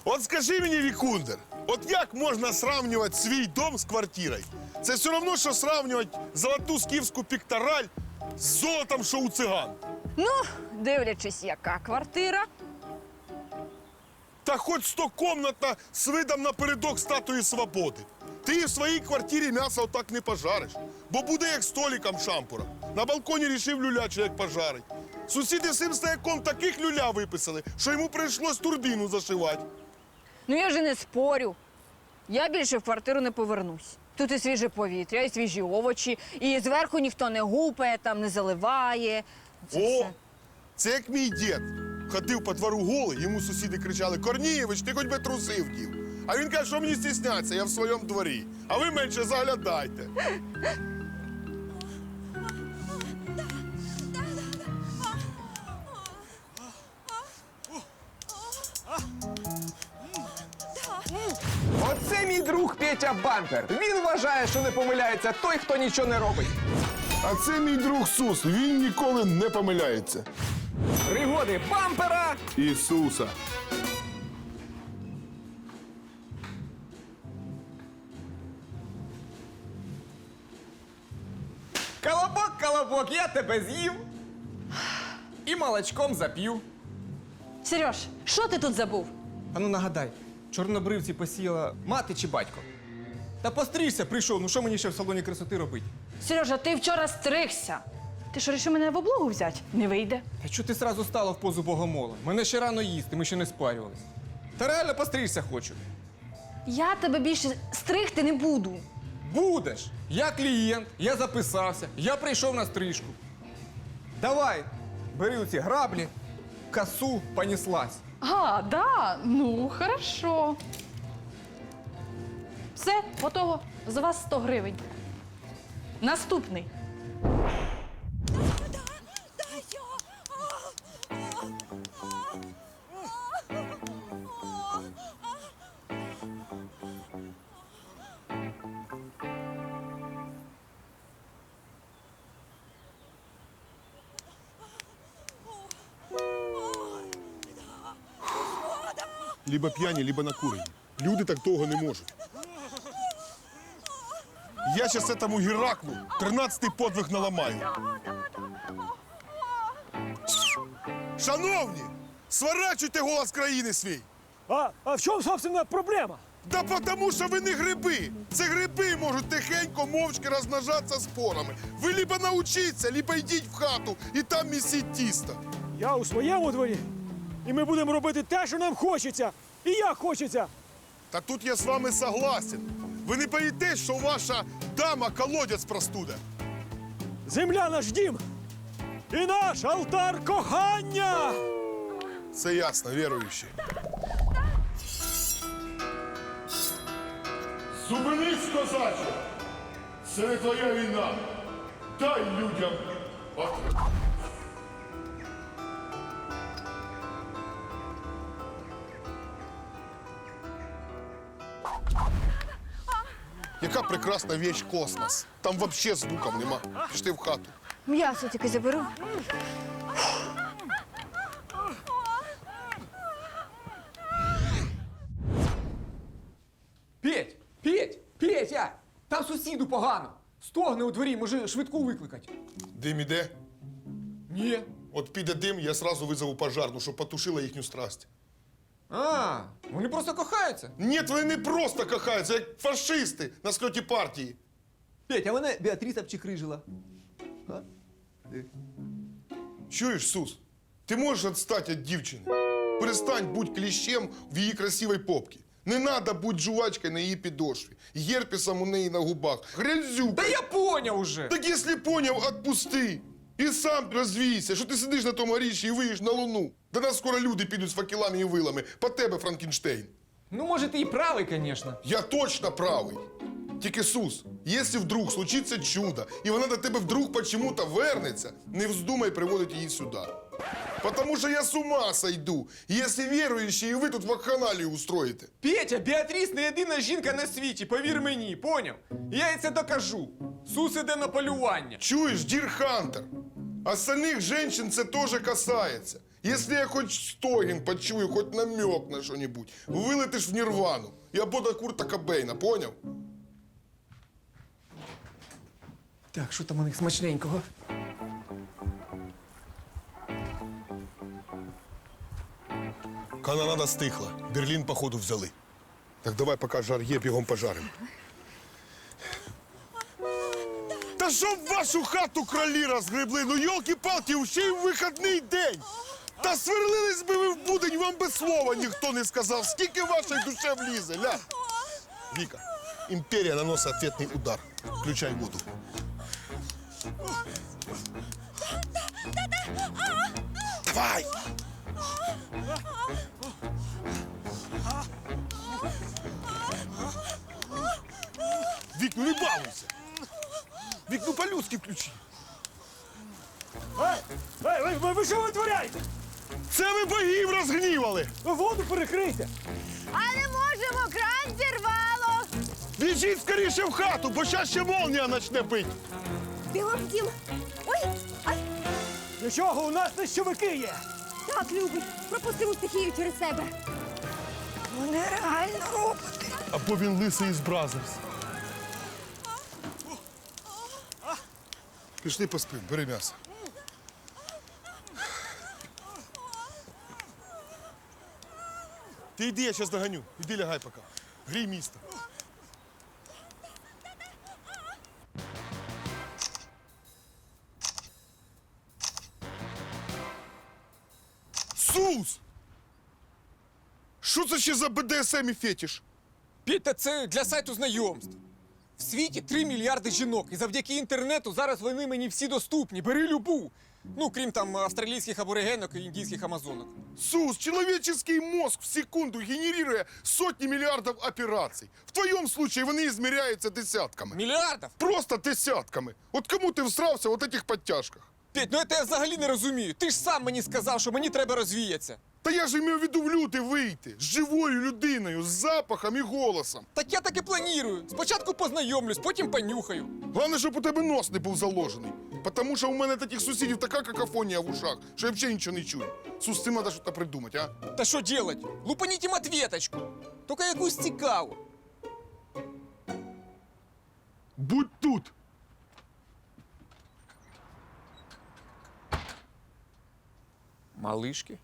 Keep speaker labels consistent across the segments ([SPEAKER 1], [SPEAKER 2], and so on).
[SPEAKER 1] От скажи мені, Вікундер, от як можна сравнювати свій дом з квартирою? Це все одно, що сравнювати золоту скіфську піктораль з золотом, що у циган.
[SPEAKER 2] Ну, дивлячись, яка квартира.
[SPEAKER 1] Та хоч 100-комнатна з видом напередок Статуї Свободи. Ти в своїй квартирі м'ясо отак не пожариш, бо буде як столиком шампура. На балконі рішив люляче, як пожарить. Сусіди всім стояком таких люля виписали, що йому прийшлось турбіну зашивати.
[SPEAKER 2] Ну, я ж і не спорю. Я більше в квартиру не повернусь. Тут і свіже повітря, і свіжі овочі, і зверху ніхто не гупає, там не заливає. Це
[SPEAKER 1] О,
[SPEAKER 2] все.
[SPEAKER 1] це як мій дід. Ходив по двору голий, йому сусіди кричали: «Корнієвич, ти хоч би труси вдів». А він каже, що мені стісняться, я в своєму дворі. А ви менше заглядайте.
[SPEAKER 3] Оце мій друг Петя Бампер. Він вважає, що не помиляється той, хто нічого не робить.
[SPEAKER 1] А це мій друг Сус, він ніколи не помиляється.
[SPEAKER 3] Пригоди бампера.
[SPEAKER 1] Ісуса.
[SPEAKER 3] Колобок, колобок, я тебе з'їв. І молочком зап'ю.
[SPEAKER 2] Сереж, що ти тут забув?
[SPEAKER 3] А ну нагадай, чорнобривці посіяла мати чи батько? Та постригся, прийшов, ну що мені ще в салоні красоти робити?
[SPEAKER 2] Сережа, ти вчора стригся. Ти що, рішив мене в облогу взяти? Не вийде.
[SPEAKER 3] Та чого ти сразу стала в позу богомола? Мене ще рано їсти, ми ще не спарювались. Та реально постригся хочу.
[SPEAKER 2] Я тебе більше стригти не буду.
[SPEAKER 3] Будеш. Я клієнт, я записався, я прийшов на стрижку. Давай, бери оці граблі, косу, понеслась.
[SPEAKER 2] А, да? Ну, хорошо. Все, готово. За вас 100 гривень. Наступний.
[SPEAKER 1] Либо п'яні, либо накурені. Люди так довго не можуть. Я зараз этому Гераклу 13-й подвиг наламаю. Шановні, сворачуйте голос країни свій.
[SPEAKER 4] А в чем, собственно, проблема?
[SPEAKER 1] Да потому що ви не гриби. Це гриби можуть тихенько, мовчки розмножатися спорами. Ви либо научіться, либо йдіть в хату і там місіть тісто.
[SPEAKER 4] Я у своєму дворі, і ми будемо робити те, що нам хочеться, і як хочеться.
[SPEAKER 1] Та тут я з вами согласен. Ви не боїтесь, що ваша дама колодязь простуде?
[SPEAKER 4] Земля наш дім і наш алтар кохання.
[SPEAKER 1] Це ясно, віруючі. Зупинись, козаче! Це не твоя війна. Дай людям отримати. Яка прекрасна вещь космос. Там вообще звуків нема. Пішли в хату.
[SPEAKER 2] М'ясо тільки заберу.
[SPEAKER 3] Петя! Там сусіду погано. Стогне у дворі, може швидку викликати.
[SPEAKER 1] Дим іде?
[SPEAKER 3] Ні.
[SPEAKER 1] От піде дим, я сразу визову пожарну, щоб потушила їхню страсть.
[SPEAKER 3] А, вони просто кохаються.
[SPEAKER 1] Ні, вони не просто кохаються, як фашисти на сльоті партії.
[SPEAKER 3] Петя, а мене Біатріса обчикрижила.
[SPEAKER 1] Чуєш, Сус, ти можеш відстати від дівчини? Перестань будь кліщем в її красивій попці. Не треба бути жувачкою на її підошві, герпесом у неї на губах, грязюкою.
[SPEAKER 3] Та я поняв уже.
[SPEAKER 1] Так якщо поняв, отпусти. І сам розвійся, що ти сидиш на тому горищі і виїш на луну. До нас скоро люди підуть з факелами і вилами. По тебе, Франкенштейн.
[SPEAKER 3] Ну, може, ти і правий, звісно.
[SPEAKER 1] Я точно правий. Тільки, Сус, якщо вдруг случиться чудо, і вона до тебе вдруг почему-то вернеться, не вздумай приводити її сюди. Потому що я з ума сойду, якщо віруючі, і ви тут вакханалію устроїте.
[SPEAKER 3] Петя, Біатріс не єдина жінка на світі, повір мені, поняв? Я їй це докажу. Сус іде на полювання.
[SPEAKER 1] Чуєш, Дір Хантер? Остальних женщин це теж касається. Если я хоть стогін почую, хоть намек на что-нибудь, вилетиш в нірвану. Я буду Курта Кобейна, поняв?
[SPEAKER 3] Так, що там у них смачненького?
[SPEAKER 1] Канонада стихла. Берлін, походу, взяли. Так давай, поки жар є, бігом пожаримо. Та щоб вашу хату кролі розгребли, ну йолки-палки, ще й в вихідний день. Та сверлились би ви в будень, вам би слова ніхто не сказав. Скільки вашої душе влізе, ля? Віка, імперія наносить ответний удар. Включай воду. Давай! Вік, ну не балуйся. Вік, ну по-людськи включи.
[SPEAKER 4] Ви що витворяєте?
[SPEAKER 1] Це ви богів розгнівали.
[SPEAKER 4] Ви воду перекрийте.
[SPEAKER 2] А не можемо, кран зірвало!
[SPEAKER 1] Біжіть скоріше в хату, бо щас ще молнія почне бити.
[SPEAKER 5] Бігом в дім. Ой, ай,
[SPEAKER 4] Нічого, у нас нищовики є.
[SPEAKER 5] так, любий, пропустимо стихію через себе.
[SPEAKER 2] Вони реально роботи.
[SPEAKER 1] Або він лисий із Бразерс. Пішли поспим, бери м'ясо. Ти йди, я зараз доганю. Іди лягай поки. Грій місто. Сус! Що це ще за БДСМ і фетиш?
[SPEAKER 3] Петь, та це для сайту знайомств. В світі 3 мільярди жінок, і завдяки інтернету зараз вони мені всі доступні. Бери любу. Ну, крім там австралійських аборигенок і індійських амазонок.
[SPEAKER 1] Сус, человеческий мозг в секунду генерируя сотни миллиардов операций. В твоем случае вони измеряются десятками.
[SPEAKER 3] Мільярдів?
[SPEAKER 1] Просто десятками. От кому ти всрався в от этих подтяжках?
[SPEAKER 3] Петь, ну це я взагалі не розумію. Ти ж сам мені сказав, що мені треба розвіятися.
[SPEAKER 1] Та я ж мав в виду в люди вийти з живою людиною, з запахом і голосом.
[SPEAKER 3] Так я так і планую. Спочатку познайомлюсь, потім понюхаю.
[SPEAKER 1] Головне, щоб у тебе нос не був заложений. Тому що у мене таких сусідів така какофонія в ушах, що я взагалі нічого не чую. Сус, з цим треба щось придумати, а?
[SPEAKER 3] Та що делать? Лупаніть їм ответочку. Тільки якусь цікаву.
[SPEAKER 1] Будь тут.
[SPEAKER 3] Малишки?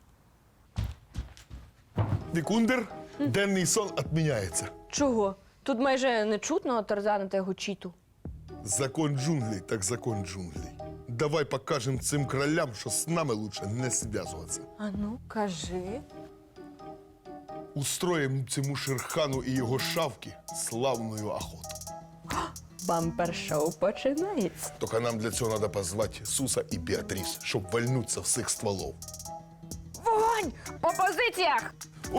[SPEAKER 1] Вікундер, денний сон відміняється.
[SPEAKER 6] Чого? Тут майже не чутно Тарзана та його чіту.
[SPEAKER 1] Закон джунглей, так закон джунглей. Давай покажем цим кролям, що з нами лучше не зв'язуватися.
[SPEAKER 6] А ну, кажи.
[SPEAKER 1] Устроїмо цьому Шерхану і його шавки славну охоту.
[SPEAKER 6] Бампер-шоу починається.
[SPEAKER 1] Тільки нам для цього треба позвати Суса і Біатріс, щоб вальнуться всіх стволов.
[SPEAKER 2] Вогонь! По позиціях!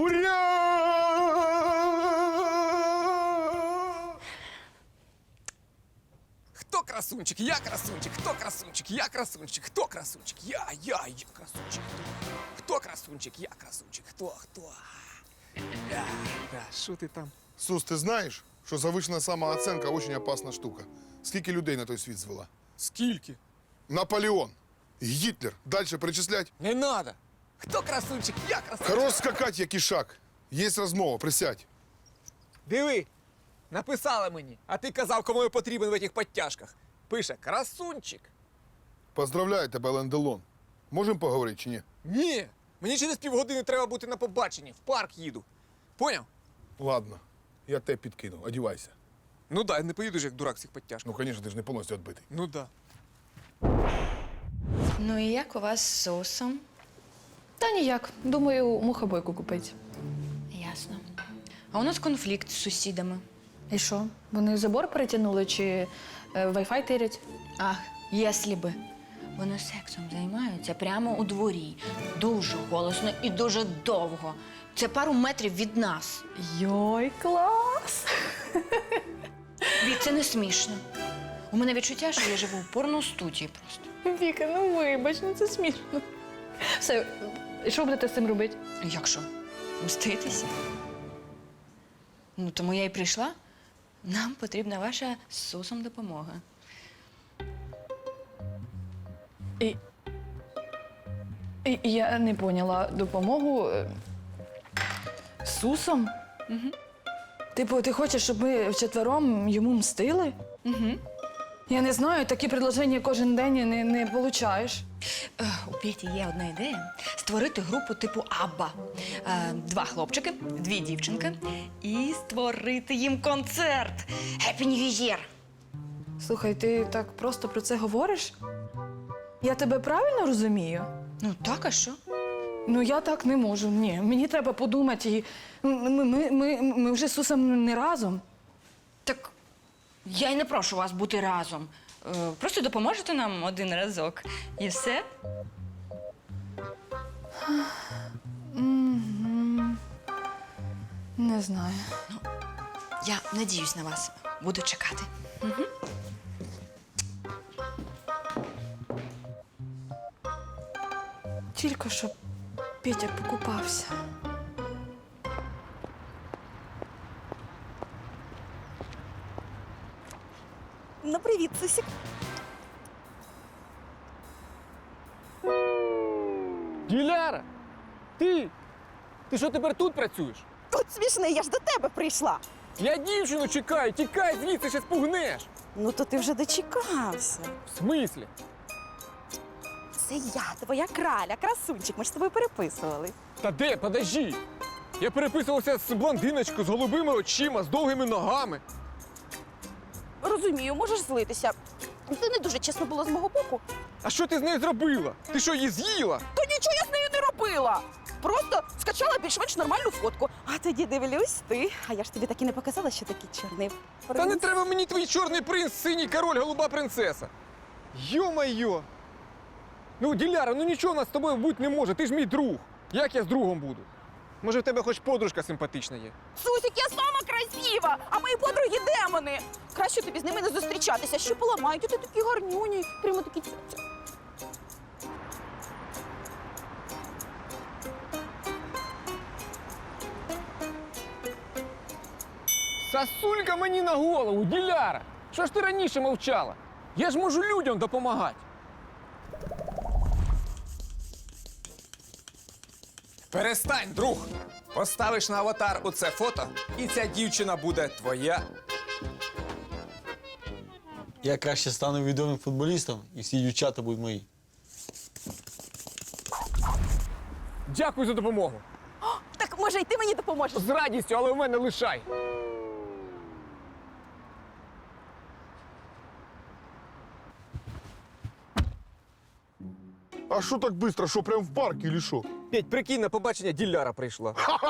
[SPEAKER 1] Ура!
[SPEAKER 3] Хто красунчик? Я красунчик. Хто красунчик? Я красунчик. Хто красунчик? Я красунчик. Хто красунчик? Я красунчик. Хто? Що ти там?
[SPEAKER 1] Сус, ти знаєш, що завищена самооценка дуже опасна штука. Скільки людей на той світ звела?
[SPEAKER 3] Скільки?
[SPEAKER 1] Наполеон, Гітлер. Дальше перечислять.
[SPEAKER 3] Не надо. Хто красунчик? Я красунчик.
[SPEAKER 1] Хорош скакать, як ішак. Є розмова, присядь.
[SPEAKER 3] Диви, написала мені, а ти казав, кому я потрібен в цих підтяжках. Пише красунчик.
[SPEAKER 1] Поздравляю тебе, Лен Делон. Можемо поговорити чи ні?
[SPEAKER 3] Ні, мені через півгодини треба бути на побаченні. В парк їду. Поняв?
[SPEAKER 1] Ладно, я тебе підкину, одівайся.
[SPEAKER 3] Ну да, не поїдеш як дурак в цих підтяжках.
[SPEAKER 1] Ну, звісно, ти ж не повністю відбитий.
[SPEAKER 3] Ну да.
[SPEAKER 7] Ну і як у вас з соусом?
[SPEAKER 8] Та ніяк. Думаю, мухобойку купить.
[SPEAKER 7] Ясно. А у нас конфлікт з сусідами.
[SPEAKER 8] І що? Вони забор перетягнули чи Wi-Fi тирять?
[SPEAKER 7] Ах, єслі би. Вони сексом займаються прямо у дворі. Дуже голосно і дуже довго. Це пару метрів від нас.
[SPEAKER 8] Йой, клас!
[SPEAKER 7] Вік, це не смішно. У мене відчуття, що я живу в порностудії просто.
[SPEAKER 8] Віка, ну вибач, ну це смішно. Все, і що будете з цим робити?
[SPEAKER 7] Як що? Мститися? Ну, тому я й прийшла. Нам потрібна ваша з Сусом допомога.
[SPEAKER 8] І Я не поняла допомогу з Сусом? Угу. Типу, ти хочеш, щоб ми вчетвером йому мстили? Угу. Я не знаю, такі предложення кожен день не получаєш.
[SPEAKER 7] У Петі є одна ідея створити групу типу Абба. 2 хлопчики, 2 дівчинки і створити їм концерт. Happy New Year!
[SPEAKER 8] Слухай, ти так просто про це говориш? Я тебе правильно розумію?
[SPEAKER 7] Ну так, а що?
[SPEAKER 8] Ну, я так не можу. Ні, мені треба подумати. І ми вже з Сусом не разом.
[SPEAKER 7] Так я й не прошу вас бути разом. Просто допоможете нам один разок. І все.
[SPEAKER 8] Не знаю.
[SPEAKER 7] Я надіюсь на вас. Буду чекати.
[SPEAKER 8] Тільки щоб Петя покупався.
[SPEAKER 5] Ну, привіт, Сусік.
[SPEAKER 3] Діляра! Ти! Ти що тепер тут працюєш?
[SPEAKER 5] Тут смішний, я ж до тебе прийшла.
[SPEAKER 3] Я дівчину чекаю, тікай звідси, ще спугнеш.
[SPEAKER 5] Ну, то ти вже дочекався.
[SPEAKER 3] В смислі?
[SPEAKER 5] Це я, твоя краля, красунчик. Ми ж з тобою переписували.
[SPEAKER 3] Та де, подожди. Я переписувався з блондиночкою, з голубими очима, з довгими ногами.
[SPEAKER 5] Розумію, можеш злитися. Це не дуже чесно було з мого боку.
[SPEAKER 3] А що ти з нею зробила? Ти що, її з'їла?
[SPEAKER 5] То нічого я з нею не робила. Просто скачала більш-менш нормальну фотку. А тоді дивлюсь ти. А я ж тобі так і не показала, що такий чорний принц.
[SPEAKER 3] Та не треба мені твій чорний принц, синій король, голуба принцеса. Йо-майо! Ну, Діляра, ну нічого у нас з тобою бути не може, ти ж мій друг. Як я з другом буду? Може, в тебе хоч подружка симпатична є?
[SPEAKER 5] Сусік, я сама красива, а мої подруги демони. Краще тобі з ними не зустрічатися. Що поламають? Ти такі гарнюні. Прямо такі ця.
[SPEAKER 3] Сосулька мені на голову, Діляра! Що ж ти раніше мовчала? Я ж можу людям допомагати.
[SPEAKER 9] Перестань, друг! Поставиш на аватар оце фото, і ця дівчина буде твоя.
[SPEAKER 10] Я краще стану відомим футболістом, і всі дівчата будуть мої.
[SPEAKER 3] Дякую за допомогу.
[SPEAKER 5] Так, може, і ти мені допоможеш?
[SPEAKER 3] З радістю, але у мене лишай.
[SPEAKER 1] А що так швидко? Що, прям в парк или що?
[SPEAKER 3] Петь, прикинь, на побачення Діляра прийшла.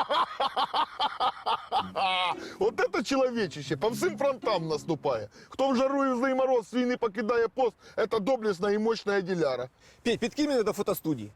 [SPEAKER 1] От это чоловічище по всім фронтам наступає. Хто в жару і в злий мороз свій не покидає пост, это доблесна і мощна Діляра.
[SPEAKER 3] Петь, підкинь мене до фотостудії.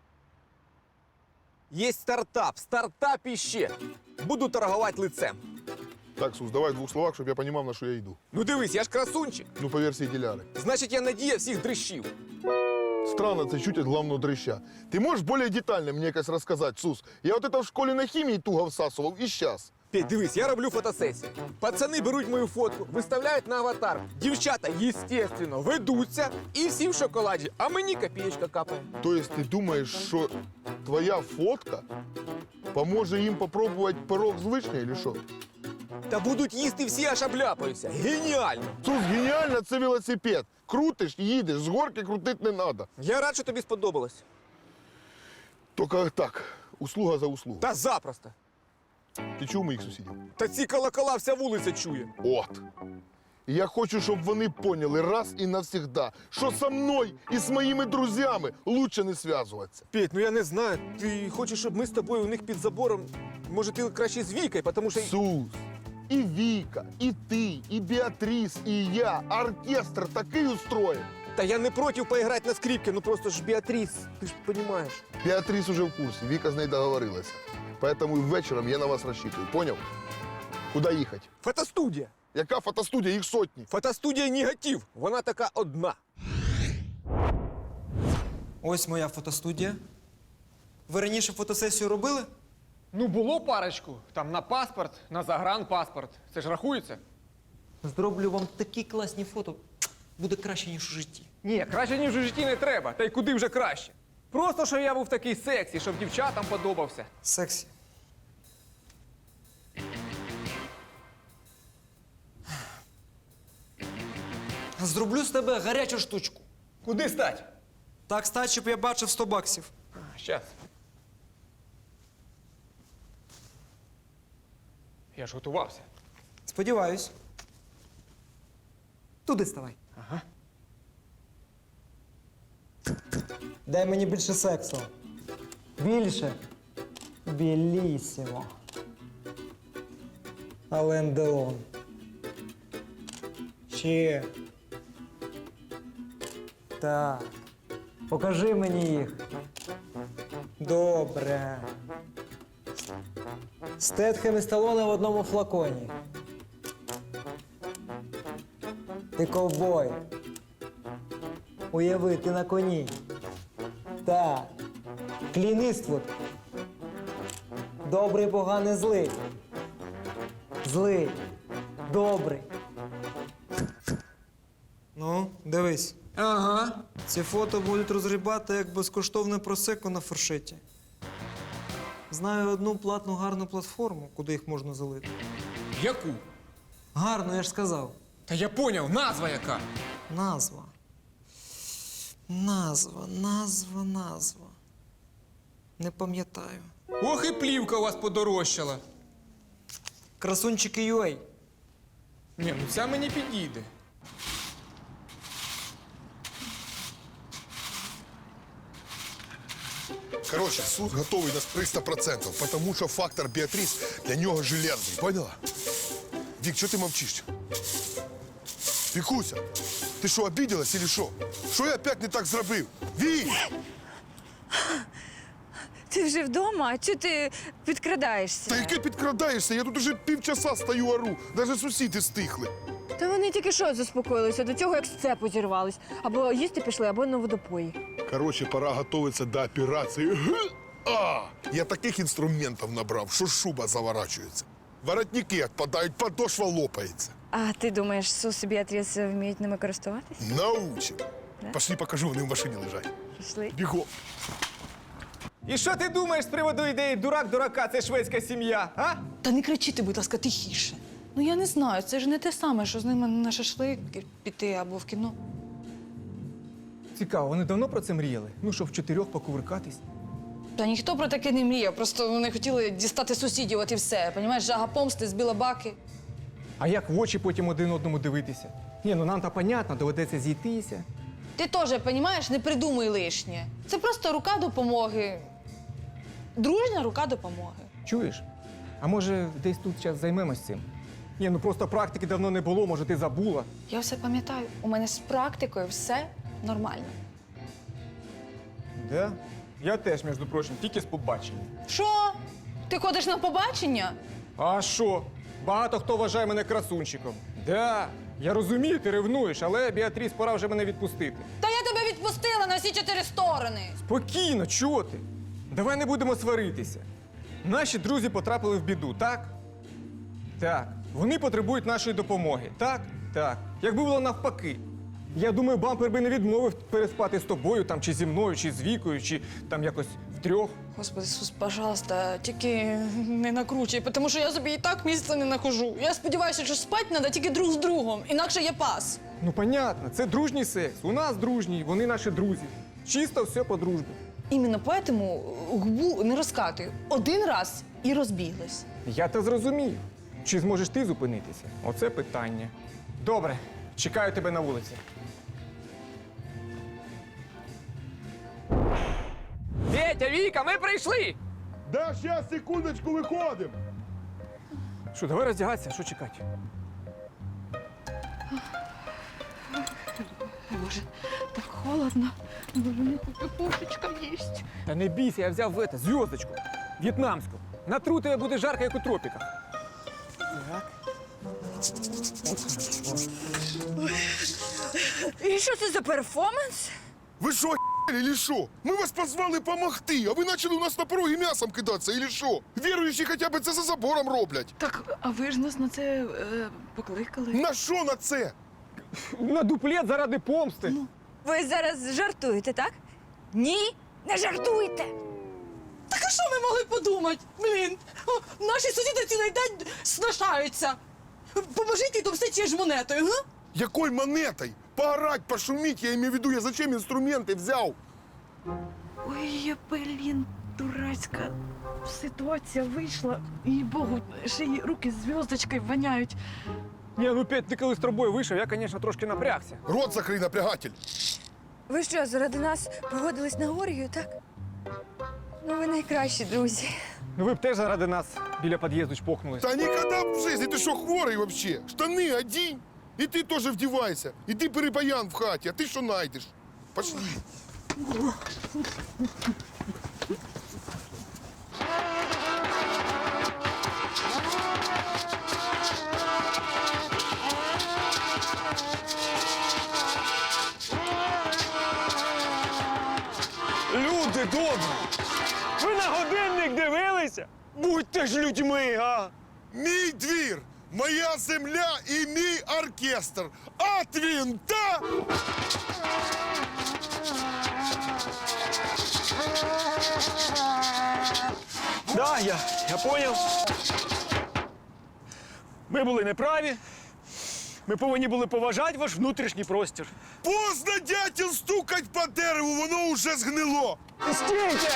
[SPEAKER 3] Є стартап іще. Буду торгувати лицем.
[SPEAKER 1] Так, Сус, давай в 2 словах, щоб я розумів, на що я йду.
[SPEAKER 3] Ну дивись, я ж красунчик.
[SPEAKER 1] Ну, по версії Діляри.
[SPEAKER 3] Значить, я надія всіх дрищів.
[SPEAKER 1] Странно, це чуть від главного дрища. Ти можеш більш детально мені якось розказати, Сус? Я от это в школі на хімії туго всасував і щас.
[SPEAKER 3] Петь, дивись, я роблю фотосесію. Пацани беруть мою фотку, виставляють на аватар. Дівчата, естественно, ведуться і всі в шоколаді, а мені копієчка капає.
[SPEAKER 1] Тобто ти думаєш, що твоя фотка поможе їм попробувати пирог з вишнею, или що?
[SPEAKER 3] Та будуть їсти всі, аж обляпаються. Геніально!
[SPEAKER 1] Сус, геніально, це велосипед. Крутиш, їдеш, з горки крутити не треба.
[SPEAKER 3] Я рад, що тобі сподобалось.
[SPEAKER 1] Тільки так, услуга за услугу.
[SPEAKER 3] Та запросто.
[SPEAKER 1] Ти чув моїх сусідів?
[SPEAKER 3] Та ці колокола вся вулиця чує.
[SPEAKER 1] От. І я хочу, щоб вони поняли раз і навсегда, що со мною і з моїми друзями лучше не зв'язуватися.
[SPEAKER 3] Петь, ну я не знаю. Ти хочеш, щоб ми з тобою у них під забором. Може, ти краще з Вікою, тому що.
[SPEAKER 1] Сус, і Віка, і ти, і Біатріс, і я, оркестр такий устроїв.
[SPEAKER 3] Та я не проти поіграти на скрипці, ну просто ж Біатріс, ти ж розумієш.
[SPEAKER 1] Біатріс уже в курсі, Віка з нею договорилася. Поэтому вечором я на вас розчитую, поняв? Куди їхати?
[SPEAKER 3] Фотостудія.
[SPEAKER 1] Яка фотостудія? Їх сотні.
[SPEAKER 3] Фотостудія негатив. Вона така одна.
[SPEAKER 11] Ось моя фотостудія. Ви раніше фотосесію робили?
[SPEAKER 3] Ну, було парочку. Там на паспорт, на загранпаспорт. Це ж рахується?
[SPEAKER 11] Зроблю вам такі класні фото. Буде краще, ніж у житті.
[SPEAKER 3] Ні, краще, ніж у житті не треба. Та й куди вже краще. Просто, що я був такий сексі, щоб дівчатам подобався.
[SPEAKER 11] Сексі. Зроблю з тебе гарячу штучку.
[SPEAKER 3] Куди стать?
[SPEAKER 11] Так стать, щоб я бачив 100 баксів.
[SPEAKER 3] Щас. Я ж готувався.
[SPEAKER 11] Сподіваюсь. Туди ставай.
[SPEAKER 3] Ага.
[SPEAKER 11] Дай мені більше сексу. Більше. Білісімо. Ален Делон. Ще. Так. Покажи мені їх. Добре. Стетхем і Сталоне в одному флаконі. Ти ковбой. Уяви, ти на коні. Так. Клін Іствуд. Добрий, поганий, злий. Злий. Добрий. Ну, дивись.
[SPEAKER 3] Ага.
[SPEAKER 11] Ці фото будуть розгрібати як безкоштовне просеко на фуршеті. Знаю одну платну гарну платформу, куди їх можна залити.
[SPEAKER 3] Яку?
[SPEAKER 11] Гарно, я ж сказав.
[SPEAKER 3] Та я поняв, назва яка.
[SPEAKER 11] Назва. Назва. Не пам'ятаю.
[SPEAKER 3] Ох і плівка у вас подорожчала.
[SPEAKER 11] Красунчики UA.
[SPEAKER 3] Ні, ну ця мені підійде.
[SPEAKER 1] Короче, суд готовий на 300%, потому що фактор Біатріс для нього железний, поняла? Вік, що ти мовчиш? Вікуся, ти що, обиделась или що? Що я опять не так зробив? Вік!
[SPEAKER 2] Ти вже вдома? А чого ти підкрадаєшся?
[SPEAKER 1] Та яке підкрадаєшся? Я тут уже півчаса стою ору. Даже сусіди стихли.
[SPEAKER 2] Та вони тільки що заспокоїлися до цього, як з цепу зірвались. Або їсти пішли, або на водопої.
[SPEAKER 1] Короче, пора готовиться до операції. Я таких інструментів набрав, що шуба заворачується. Воротники відпадають, подошва лопається.
[SPEAKER 2] А ти думаєш, Сус і Біатріс вміють ними користуватись?
[SPEAKER 1] Научим. Пошли покажу, вони в машині лежать.
[SPEAKER 2] Пішли.
[SPEAKER 1] Бігом.
[SPEAKER 3] І що ти думаєш з приводу ідеї дурак дурака, це шведська сім'я, а?
[SPEAKER 8] Та не кричи ти, будь ласка, тихіше. Ну я не знаю, це ж не те саме, що з ними на шашлик піти або в кіно.
[SPEAKER 3] Цікаво, вони давно про це мріяли? Ну, що в 4 покувиркатись?
[SPEAKER 8] Та ніхто про таке не мріяв, просто вони хотіли дістати сусідів, от і все. Понімаєш, жага помсти, збила баки.
[SPEAKER 3] А як в очі потім один одному дивитися? Ні, ну нам-то понятно, доведеться зійтися.
[SPEAKER 8] Ти теж, понімаєш, не придумуй лишнє. Це просто рука допомоги. Дружня рука допомоги.
[SPEAKER 3] Чуєш? А може, десь тут зараз займемось цим? Ні, ну просто практики давно не було, може, ти забула.
[SPEAKER 8] Я все пам'ятаю, у мене з практикою все нормально.
[SPEAKER 3] Да? Я теж, між прочим, тільки з побачення.
[SPEAKER 8] Що? Ти ходиш на побачення?
[SPEAKER 3] А що? Багато хто вважає мене красунчиком. Да, я розумію, ти ревнуєш, але, Біатріс, пора вже мене відпустити.
[SPEAKER 8] Та я тебе відпустила на всі 4 сторони.
[SPEAKER 3] Спокійно, чого ти? Давай не будемо сваритися. Наші друзі потрапили в біду, так? Так. Вони потребують нашої допомоги. Так? Так. Якби було навпаки. Я думаю, бампер би не відмовив переспати з тобою, там, чи зі мною, чи з Вікою, чи там якось втрьох.
[SPEAKER 8] Господи, Ісус, пожалуйста, тільки не накручуй, тому що я собі і так місця не нахожу. Я сподіваюся, що спати треба тільки друг з другом, інакше є пас.
[SPEAKER 3] Ну, понятно, це дружній секс. У нас дружній, вони наші друзі. Чисто все по дружбі.
[SPEAKER 8] Іменно поэтому губу не розкатую. Один раз і розбіглись.
[SPEAKER 3] Я те зрозумів. Чи зможеш ти зупинитися? Оце питання. Добре, чекаю тебе на вулиці. Петя, Віка, ми прийшли!
[SPEAKER 1] Да, сейчас, секундочку, виходимо.
[SPEAKER 3] Що, давай роздягатися, що чекати?
[SPEAKER 8] Боже, так холодно. Боже, не хочу пушечка їсть.
[SPEAKER 3] Та не бійся, я взяв зв'язочку, в'єтнамську. Натру тебе буде жарко, як у тропіках. Так.
[SPEAKER 2] І що це за перформанс?
[SPEAKER 1] Ви що, или що? Ми вас позвали помогти, а ви почали у нас на порогі м'ясом кидатися, или що? Віруючі хоча б це за забором роблять.
[SPEAKER 8] Так, а ви ж нас на це покликали?
[SPEAKER 1] На що на це?
[SPEAKER 3] На дуплет заради помсти.
[SPEAKER 2] Ви зараз жартуєте, так? Ні, Не жартуйте!
[SPEAKER 8] Так а що ми могли подумати? Блін, наші сусіди цілий день сношаються. Поможіть їй домстити ж монетою, га?
[SPEAKER 1] Якой монетой? Поорать, пошуметь, я имею в виду, я зачем инструменты взял?
[SPEAKER 8] Ой, блін, дурацька ситуація вийшла. І Богу, ще й руки зв'язочкою воняють.
[SPEAKER 3] Ні, ну Петь, ти коли з тобою вийшов, я, звісно, трошки напрягся.
[SPEAKER 1] Рот закрой, напрягатель.
[SPEAKER 2] Ви що, заради нас погодились на оргію, так? Ну, ви найкращі друзі.
[SPEAKER 3] Ну ви б теж заради нас біля під'їзду чпокнулись.
[SPEAKER 1] Да никогда в жизни, ты что, хворый вообще? Штаны одень, и ты тоже вдевайся. И ты перепаян в хате, а ты что найдешь? Пошли.
[SPEAKER 4] Люди добрі! Ви на годинник дивилися? Будьте ж людьми, а!
[SPEAKER 1] Мій двір, моя земля і мій оркестр. От винта!
[SPEAKER 4] Да, я поняв. Ми були неправі. Ми повинні були поважати ваш внутрішній простір.
[SPEAKER 1] Поздно, дятел, стукать по дереву, воно уже згнило.
[SPEAKER 4] Стійте!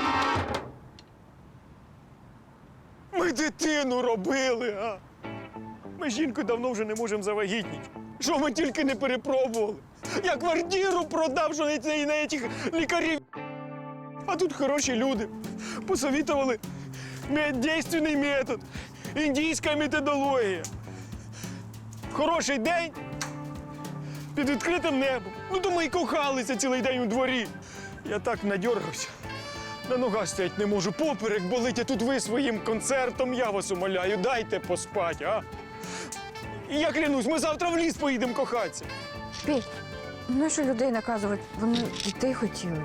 [SPEAKER 4] Ми дитину робили, а? Ми жінку давно вже не можемо завагітніти. Що ми тільки не перепробували. Я квартиру продав, що на цих лікарів. А тут хороші люди. Посовітували дійсний метод, індійська методологія. В хороший день під відкритим небом. Ну, то ми й кохалися цілий день у дворі. Я так надьоргався. На ногах стоять не можу, поперек болить, а тут ви своїм концертом, я вас умоляю, дайте поспать, а? І я клянусь, ми завтра в ліс поїдемо кохатися.
[SPEAKER 2] Петь, ну що людей наказувати? Вони дітей хотіли.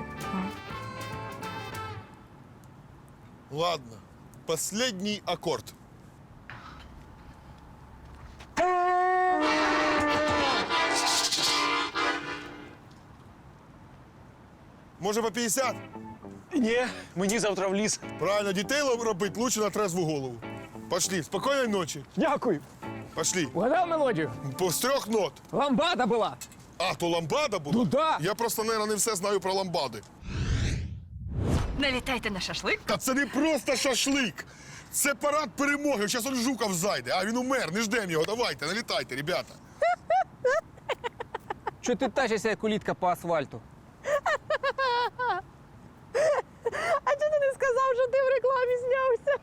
[SPEAKER 1] Ладно, последний аккорд. Може по 50?
[SPEAKER 4] Ні, мені завтра в ліс.
[SPEAKER 1] Правильно, дітей робить лучше на трезву голову. Пошли, спокійної ночі.
[SPEAKER 3] Дякую.
[SPEAKER 1] Пошли.
[SPEAKER 3] Угадав мелодію?
[SPEAKER 1] З 3 нот.
[SPEAKER 3] Ламбада була.
[SPEAKER 1] А, то ламбада була?
[SPEAKER 3] Ну да.
[SPEAKER 1] Я просто, мабуть, не все знаю про ламбади.
[SPEAKER 7] Налітайте на шашлик.
[SPEAKER 1] Та це не просто шашлик. Це парад перемоги. Зараз он Жуков зайде. А він умер, не ждемо його. Давайте, налітайте, ребята.
[SPEAKER 3] Чого ти тащишся, як улітка по асфальту?
[SPEAKER 6] А чого ти не сказав, що ти в рекламі знявся?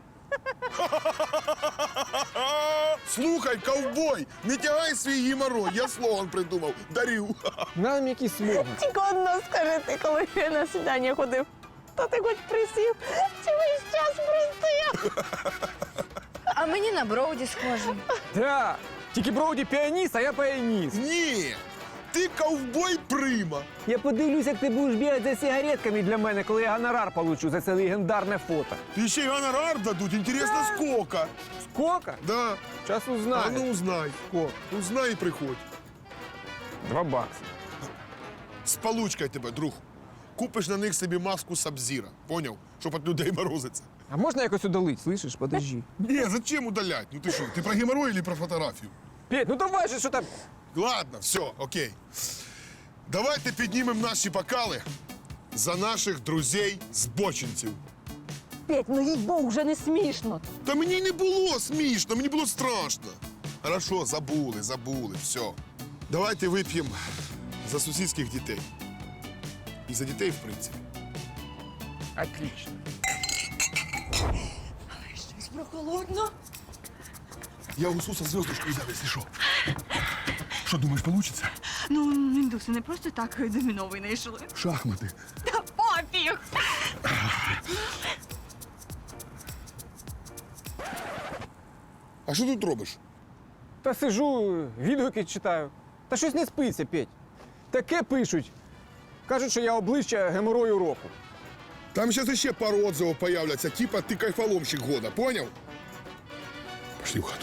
[SPEAKER 1] Слухай, ковбой, не тягай свій геморрой. Я слоган придумав. Дарю.
[SPEAKER 3] Нам якийсь слоган.
[SPEAKER 6] Тільки одно скажи ти, коли я на свідання ходив. То ти хоч присів, чи весь час простояв?
[SPEAKER 2] А мені на Броуді схоже.
[SPEAKER 3] Да. Тільки Броуді піаніст, а я піаніст.
[SPEAKER 1] Ні, ти ковбой прима.
[SPEAKER 3] Я подивлюсь, як ти будеш бігати за сигаретками для мене, коли я гонорар получу за це легендарне фото.
[SPEAKER 1] Ти ще й гонорар дадуть, інтересно, скільки?
[SPEAKER 3] Сколько?
[SPEAKER 1] Да.
[SPEAKER 3] Час
[SPEAKER 1] А
[SPEAKER 3] узнаю.
[SPEAKER 1] ну узнай.
[SPEAKER 3] Сколько?
[SPEAKER 1] Узнай і приходь.
[SPEAKER 3] $2.
[SPEAKER 1] З получкою тебе, друг. Купиш на них собі маску Сабзіра. Поняв? Щоб від людей морозиться.
[SPEAKER 3] А можна якось удалить, слышиш? Подожди.
[SPEAKER 1] Ні, зачем удалять? Ну ти що, ти про геморрой или про фотографію?
[SPEAKER 3] Петь, ну давай же, що там?
[SPEAKER 1] Ладно, все, окей. Давайте піднімемо наші бокали за наших друзей-збочинців.
[SPEAKER 6] Петь, ну їй-богу, вже не смішно.
[SPEAKER 1] Та мені не було смішно, мені було страшно. Хорошо, забули, все. Давайте вип'ємо за сусідських дітей. І за дітей, в принципі.
[SPEAKER 3] Отлично.
[SPEAKER 2] Щось прохолодно.
[SPEAKER 1] Я у Суса зв'язочку взяв, якщо що. Що, думаєш, получиться?
[SPEAKER 2] Ну, індуси не просто так доміно винайшли.
[SPEAKER 1] Шахмати.
[SPEAKER 2] Та пофіг!
[SPEAKER 1] А що тут робиш?
[SPEAKER 3] Та сижу, відгуки читаю. Та щось не спиться, Петь. Таке пишуть. Кажуть, що я обличчя геморою року.
[SPEAKER 1] Там зараз ще пару отзывів появляться, типа ти кайфоломщик года, поняв? Пошли в хату.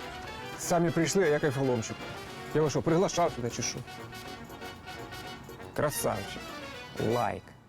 [SPEAKER 3] Самі прийшли, а я кайфоломщик. Я вас що, приглашав сюди чи що? Красавчик. Лайк.